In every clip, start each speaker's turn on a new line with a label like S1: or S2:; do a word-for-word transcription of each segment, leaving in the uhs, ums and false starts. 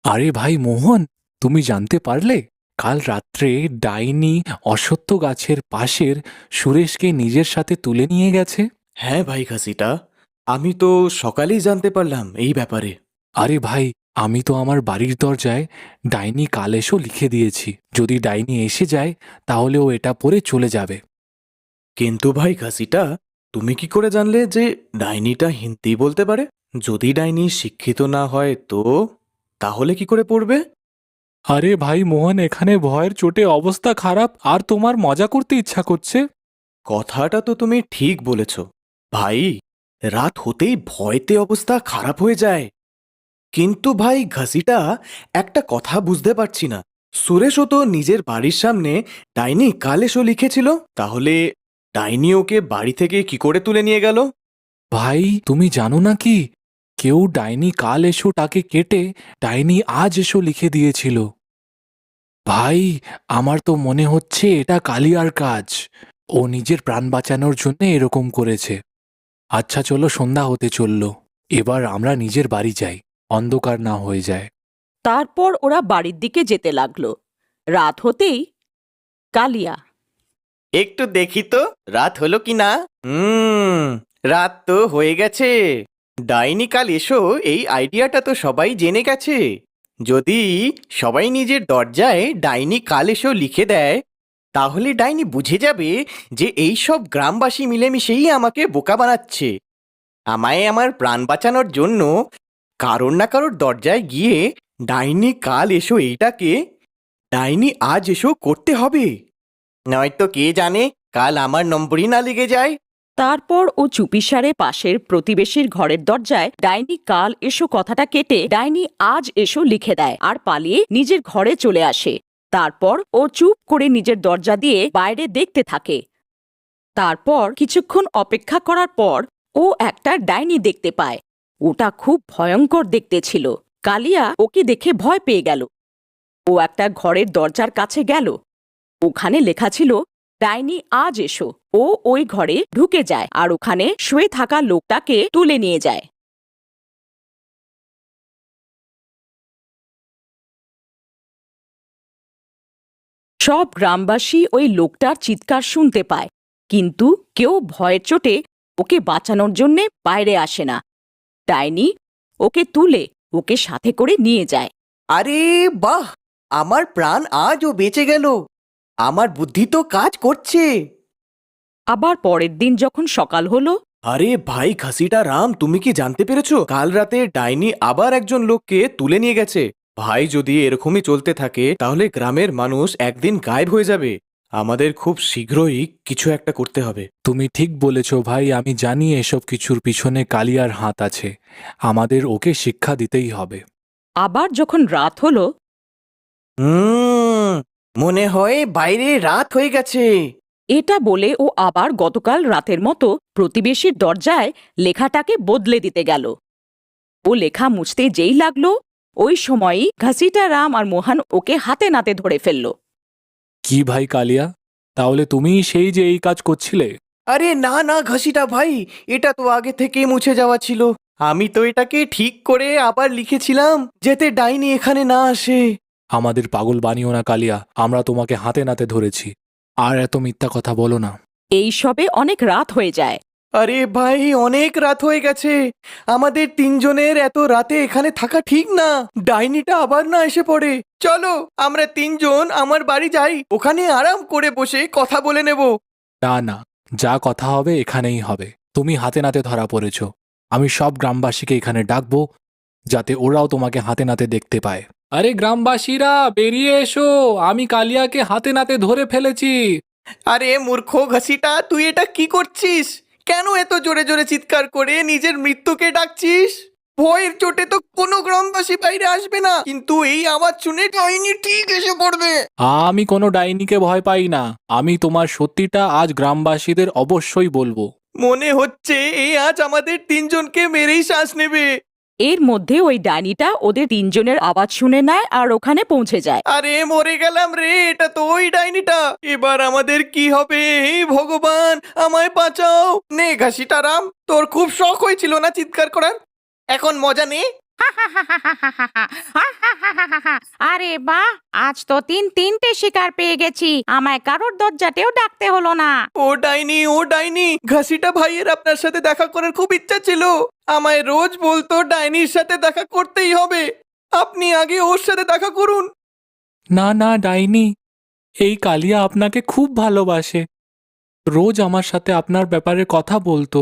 S1: আরে ভাই মোহন, তুমি জানতে পারলে কাল রাত্রে ডাইনি অশ্বত্থ গাছের পাশের সুরেশকে নিজের সাথে তুলে নিয়ে গেছে।
S2: হ্যাঁ ভাই খাসিটা, আমি তো সকালেই জানতে পারলাম এই ব্যাপারে।
S1: আরে ভাই, আমি তো আমার বাড়ির দরজায় ডাইনি কাল এসো লিখে দিয়েছি। যদি ডাইনি এসে যায় তাহলে ও এটা পরে চলে যাবে।
S2: কিন্তু ভাই খাসিটা, তুমি কি করে জানলে যে ডাইনিটা হিন্দি বলতে পারে? যদি ডাইনি শিক্ষিত না হয় তো তাহলে কি করে পড়বে?
S1: আরে ভাই মোহন, এখানে ভয়ের চোটে অবস্থা খারাপ আর তোমার মজা করতে ইচ্ছা করছে।
S2: কথাটা তো তুমি ঠিক বলেছ ভাই, রাত হতেই ভয়তে অবস্থা খারাপ হয়ে যায়। কিন্তু ভাই ঘাসিটা, একটা কথা বুঝতে পারছি না। সুরেশও তো নিজের বাড়ির সামনে ডাইনি কালেশও লিখেছিল, তাহলে ডাইনি ওকে বাড়ি থেকে কি করে তুলে নিয়ে গেল?
S1: ভাই তুমি জানো না কি, কেউ ডাইনি কাল এসো টাকে কেটে ডাইনি আজ এসো লিখে দিয়েছিল। ভাই, আমার তো মনে হচ্ছে এটা কালিয়ার কাজ। ও নিজের প্রাণ বাঁচানোর জন্য এরকম করেছে। আচ্ছা চলো, সন্ধ্যা হতে চলল, এবার আমরা নিজের বাড়ি যাই, অন্ধকার না হয়ে যায়।
S3: তারপর ওরা বাড়ির দিকে যেতে লাগলো। রাত হতেই কালিয়া,
S2: একটু দেখি তো রাত হলো কি না। হুম, রাত তো হয়ে গেছে। ডাইনি কাল এসো এই আইডিয়াটা তো সবাই জেনে গেছে। যদি সবাই নিজের দরজায় ডাইনি কাল এসো লিখে দেয়, তাহলে ডাইনি বুঝে যাবে যে এই সব গ্রামবাসী মিলেমিশেই আমাকে বোকা বানাচ্ছে। আমায় আমার প্রাণ বাঁচানোর জন্য কারোর না কারোর দরজায় গিয়ে ডাইনি কাল এসো এইটাকে ডাইনি আজ এসো করতে হবে, নয়তো কে জানে কাল আমার নম্বরই না লেগে যায়।
S3: তারপর ও চুপিসারে পাশের প্রতিবেশীর ঘরের দরজায় ডাইনি কাল এসো কথাটা কেটে ডাইনি আজ এসো লিখে দেয় আর পালিয়ে নিজের ঘরে চলে আসে। তারপর ও চুপ করে নিজের দরজা দিয়ে বাইরে দেখতে থাকে। তারপর কিছুক্ষণ অপেক্ষা করার পর ও একটা ডাইনি দেখতে পায়। ওটা খুব ভয়ঙ্কর দেখতে ছিল। কালিয়া ওকে দেখে ভয় পেয়ে গেল। ও একটা ঘরের দরজার কাছে গেল। ওখানে লেখা ছিল ডাইনি আজ এসো। ও ওই ঘরে ঢুকে যায় আর ওখানে শুয়ে থাকা লোকটাকে তুলে নিয়ে যায়। সব গ্রামবাসী ওই লোকটার চিৎকার শুনতে পায়, কিন্তু কেউ ভয়ের চোটে ওকে বাঁচানোর জন্যে বাইরে আসে না। ডাইনি ওকে তুলে ওকে সাথে করে নিয়ে যায়।
S2: আরে বাহ, আমার প্রাণ আজও বেঁচে গেল। আমার বুদ্ধি তো কাজ করছে।
S3: আবার পরের দিন যখন সকাল হলো,
S2: আরে ভাই খাসিটা রাম, তুমি কি জানতে পেরেছো কাল রাতে ডাইনি আবার একজন লোককে তুলে নিয়ে গেছে? ভাই, যদি এরকমই চলতে থাকে তাহলে গ্রামের মানুষ একদিন গায়েব হয়ে যাবে। আমাদের খুব শীঘ্রই কিছু একটা করতে হবে।
S1: তুমি ঠিক বলেছ ভাই, আমি জানি এসব কিছুর পিছনে কালিয়ার হাত আছে। আমাদের ওকে শিক্ষা দিতেই হবে।
S3: আবার যখন রাত হলো,
S2: হুম, মনে হয় বাইরে রাত হয়ে গেছে।
S3: এটা বলে ও আবার গতকাল রাতের মতো প্রতিবেশীর দরজায় লেখাটাকে বদলে দিতে গেল। ও লেখা মুছতে যেই লাগলো, ওই সময়ই ঘাসিটা রাম আর মোহন ওকে হাতে নাতে ধরে ফেলল।
S1: কি ভাই কালিয়া, তাহলে তুমিই সেই যে এই কাজ করছিলে?
S2: আরে না না ঘাসিটা ভাই, এটা তো আগে থেকেই মুছে যাওয়া ছিল। আমি তো এটাকে ঠিক করে আবার লিখেছিলাম যাতে ডাইনি এখানে না আসে।
S1: আমাদের পাগল বানিও না কালিয়া, আমরা তোমাকে হাতে নাতে ধরেছি। আর এত মিথ্যা কথা বলো না।
S3: এই সবে অনেক রাত হয়ে যায়।
S2: আরে ভাই, অনেক রাত হয়ে গেছে। আমাদের তিনজনের এত রাতে এখানে থাকা ঠিক না। ডাইনিটা আবার না এসে পড়ে। চলো আমরা তিনজন আমার বাড়ি যাই, ওখানে আরাম করে বসে কথা বলে নেব।
S1: না না, যা কথা হবে এখানেই হবে। তুমি হাতে নাতে ধরা পড়েছ। আমি সব গ্রামবাসীকে এখানে ডাকবো, যাতে ওরাও তোমাকে হাতে নাতে দেখতে পায়। আরে গ্রামবাসীরা বেরিয়ে এসো, আমি কালিয়াকে হাতে নাতে ধরে ফেলেছি।
S2: আরে মূর্খ ঘাসিটা, তুই এটা কি করছিস? কেন এত জোরে জোরে চিৎকার করে নিজের মৃত্যুকে ডাকছিস? ভয়ের চোটে তো কোনো গ্রামবাসী বাইরে আসবে না, কিন্তু এই আওয়াজ শুনে ডাইনি ঠিক এসে পড়বে।
S1: আমি কোনো ডাইনিকে ভয় পাই না। আমি তোমার সত্যিটা আজ গ্রামবাসীদের অবশ্যই বলবো।
S2: মনে হচ্ছে এই আজ আমাদের তিনজনকে মেরেই শ্বাস নেবে।
S3: এর মধ্যে ওই ডাইনিটা ওদের তিনজনের আওয়াজ শুনে নেয় আর ওখানে পৌঁছে যায়।
S2: আরে মরে গেলাম রে, এটা তো ওই ডাইনিটা। এবার আমাদের কি হবে? হে ভগবান, আমায় বাঁচাও। নে ঘাসিটা রাম, তোর খুব শখ হয়েছিল না চিৎকার করার, এখন মজা নে।
S4: আরে বাহ, আজ তো তিন তিনটে শিকার পেয়ে গেছি, আমায় কারোর দরজাতেও ডাকতে হলো না।
S2: ও ডাইনি, ও ডাইনি, ঘাসিটা ভাইয়ের আপনার সাথে দেখা করার খুব ইচ্ছা ছিল। আমায় রোজ বলতো ডাইনির সাথে দেখা করতেই হবে। আপনি আগে ওর সাথে দেখা করুন।
S1: না না ডাইনি, এই কালিয়া আপনাকে খুব ভালোবাসে। রোজ আমার সাথে আপনার ব্যাপারে কথা বলতো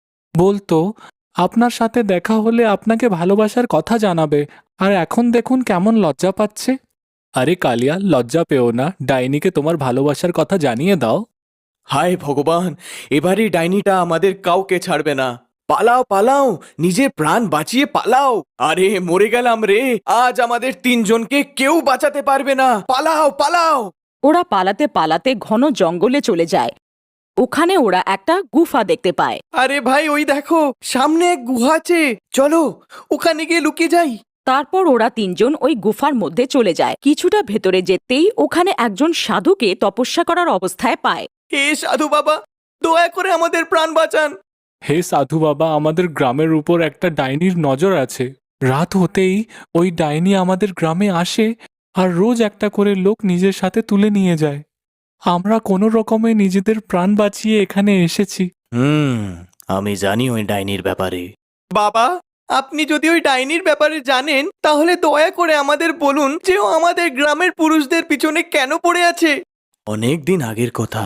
S1: বলতো আপনার সাথে দেখা হলে আপনাকে ভালোবাসার কথা জানাবে। আর এখন দেখুন কেমন লজ্জা পাচ্ছে। আরে কালিয়া, লজ্জা পেও না, ডাইনিকে তোমার ভালোবাসার কথা জানিয়ে দাও।
S2: হায় ভগবান, এবারে ডাইনিটা আমাদের কাউকে ছাড়বে না। পালাও পালাও, নিজের প্রাণ বাঁচিয়ে পালাও। আরে মরে গেলাম রে, আজ আমাদের তিনজনকে কেউ বাঁচাতে পারবে না। পালাও পালাও।
S3: ওরা পালাতে পালাতে ঘন জঙ্গলে চলে যায়। ওখানে ওরা একটা গুফা দেখতে পায়।
S2: আরে ভাই, ওই দেখো সামনে এক গুহা আছে, চলো ওখানে গিয়ে লুকিয়ে যাই।
S3: তারপর ওরা তিনজন ওই গুফার মধ্যে চলে যায়। কিছুটা ভেতরে যেতেই ওখানে একজন সাধুকে তপস্যা করার অবস্থায় পায়।
S2: হে সাধু বাবা, দয়া করে আমাদের প্রাণ বাঁচান।
S1: হে সাধু বাবা, আমাদের গ্রামের উপর একটা ডাইনির নজর আছে। রাত হতেই ওই ডাইনি আমাদের গ্রামে আসে আর রোজ একটা করে লোক নিজের সাথে তুলে নিয়ে যায়। আমরা কোনো রকমে নিজেদের প্রাণ বাঁচিয়ে এখানে এসেছি।
S2: হুম, আমি জানি ওই ডাইনির ব্যাপারে। বাবা, আপনি যদি ওই ডাইনির ব্যাপারে জানেন তাহলে দয়া করে আমাদের বলুন যে ও আমাদের গ্রামের পুরুষদের পিছনে কেন পড়ে আছে। অনেক দিন আগের কথা,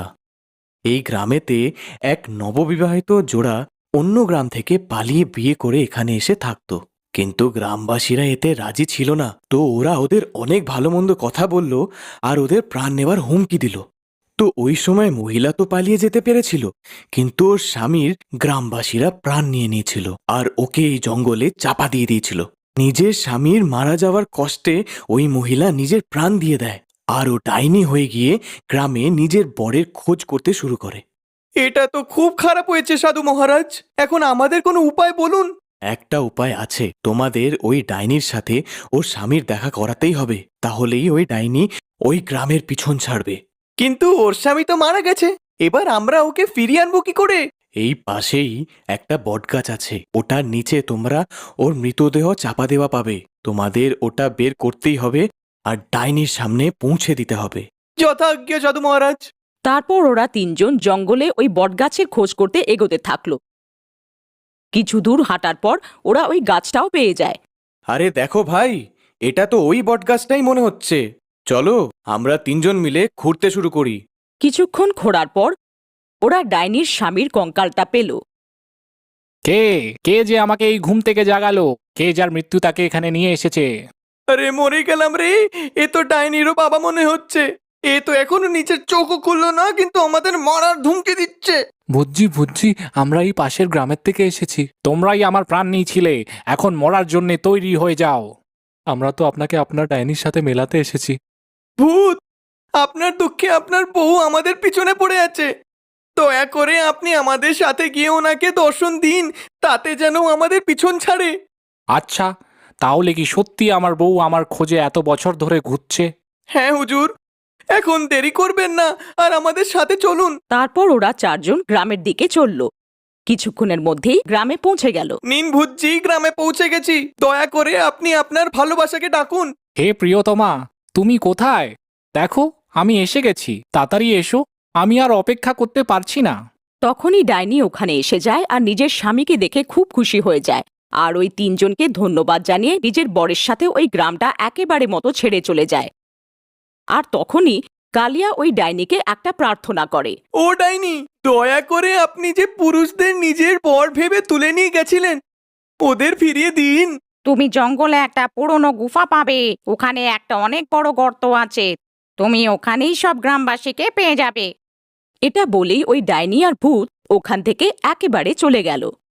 S2: এই গ্রামেতে এক নববিবাহিত জোড়া অন্য গ্রাম থেকে পালিয়ে বিয়ে করে এখানে এসে থাকতো। কিন্তু গ্রামবাসীরা এতে রাজি ছিল না, তো ওরা ওদের অনেক ভালো মন্দ কথা বলল আর ওদের প্রাণ নেবার হুমকি দিল। তো ওই সময় মহিলা তো পালিয়ে যেতে পেরেছিল, কিন্তু ওর স্বামীর গ্রামবাসীরা প্রাণ নিয়ে নিয়েছিল আর ওকে এই জঙ্গলে চাপা দিয়ে দিয়েছিল। নিজের স্বামীর মারা যাওয়ার কষ্টে ওই মহিলা নিজের প্রাণ দিয়ে দেয় আর ও ডাইনি হয়ে গিয়ে গ্রামে নিজের বরের খোঁজ করতে শুরু করে। এটা তো খুব খারাপ হয়েছে সাধু মহারাজ, এখন আমাদের কোনো উপায় বলুন। একটা উপায় আছে, তোমাদের ওই ডাইনির সাথে ওর স্বামীর দেখা করাতেই হবে, তাহলেই ওই ডাইনি ওই গ্রামের পিছন ছাড়বে। কিন্তু ওর স্বামী তো মারা গেছে, এবার আমরা ওকে ফিরিয়ে আনবো কি করে? এই পাশেই একটা বটগাছ আছে, ওটার নিচে তোমরা ওর মৃতদেহ চাপা দেওয়া পাবে। তোমাদের ওটা বের করতেই হবে আর ডাইনির সামনে পৌঁছে দিতে হবে। যথাজ্ঞা সাধু মহারাজ।
S3: তারপর ওরা তিনজন জঙ্গলে ওই বটগাছের খোঁজ করতে এগোতে থাকলো। কিছু দূর হাঁটার পর ওরা ওই গাছটাও পেয়ে যায়।
S2: আরে দেখো ভাই, এটা তো ওই বটগাছটাই মনে হচ্ছে। চলো আমরা তিনজন মিলে ঘুরতে শুরু করি।
S3: কিছুক্ষণ ঘোরার পর ওরা ডাইনির স্বামীর কঙ্কালটা পেল।
S1: কে কে যে আমাকে এই ঘুম থেকে জাগালো? কে যার মৃত্যু তাকে এখানে নিয়ে এসেছে?
S2: আরে মরে গেলাম রে, এ তো ডাইনিরও বাবা মনে হচ্ছে। এ তো এখনো নিচের চোখও খুললো না, কিন্তু আমাদের মারার ধুমকি দিচ্ছে।
S1: বুঝছি বুঝছি, আমরা এই পাশের গ্রামের থেকে এসেছি। তোমরাই আমার প্রাণ নিয়েছিলে, এখন মরার জন্য তৈরি হয়ে যাও। আমরা তো আপনাকে আপনার ডাইনির সাথে মেলাতে এসেছি।
S2: ভূত, আপনার দুঃখে আপনার বউ আমাদের পিছনে পড়ে আছে। দয়া করে আপনি আমাদের সাথে গিয়ে ওনাকে দর্শন দিন, তাতে যেন আমাদের পিছন ছাড়ে।
S1: আচ্ছা, তাহলে কি সত্যি আমার বউ আমার খোঁজে এত বছর ধরে ঘুরছে?
S2: হ্যাঁ হুজুর, এখন দেরি করবেন না আর আমাদের সাথে চলুন।
S3: তারপর ওরা চারজন গ্রামের দিকে চলল। কিছুক্ষণের মধ্যেই গ্রামে পৌঁছে গেল।
S2: নিন ভূতজি, গ্রামে পৌঁছে গেছি। দয়া করে আপনি আপনার ভালোবাসাকে ডাকুন।
S1: হে প্রিয়তমা, তুমি কোথায়? দেখো আমি এসে গেছি, তাড়াতাড়ি এসো, আমি আর অপেক্ষা করতে পারছি না।
S3: তখনই ডাইনি ওখানে এসে যায় আর নিজের স্বামীকে দেখে খুব খুশি হয়ে যায়। আর ওই তিনজনকে ধন্যবাদ জানিয়ে নিজের বরের সাথে ওই গ্রামটা একেবারে মতো ছেড়ে চলে যায়। আর তখনই কালিয়া ওই ডাইনিকে একটা প্রার্থনা করে।
S2: ও ডাইনি, দয়া করে আপনি যে পুরুষদের নিজের বর ভেবে তুলে নিয়ে গেছিলেন, ওদের ফিরিয়ে দিন।
S4: তুমি জঙ্গলে একটা পুরনো গুফা পাবে, ওখানে একটা অনেক বড় গর্ত আছে, তুমি ওখানেই সব গ্রামবাসীকে পেয়ে যাবে।
S3: এটা বলেই ওই ডাইনি আর ভূত ওখান থেকে একেবারে চলে গেল।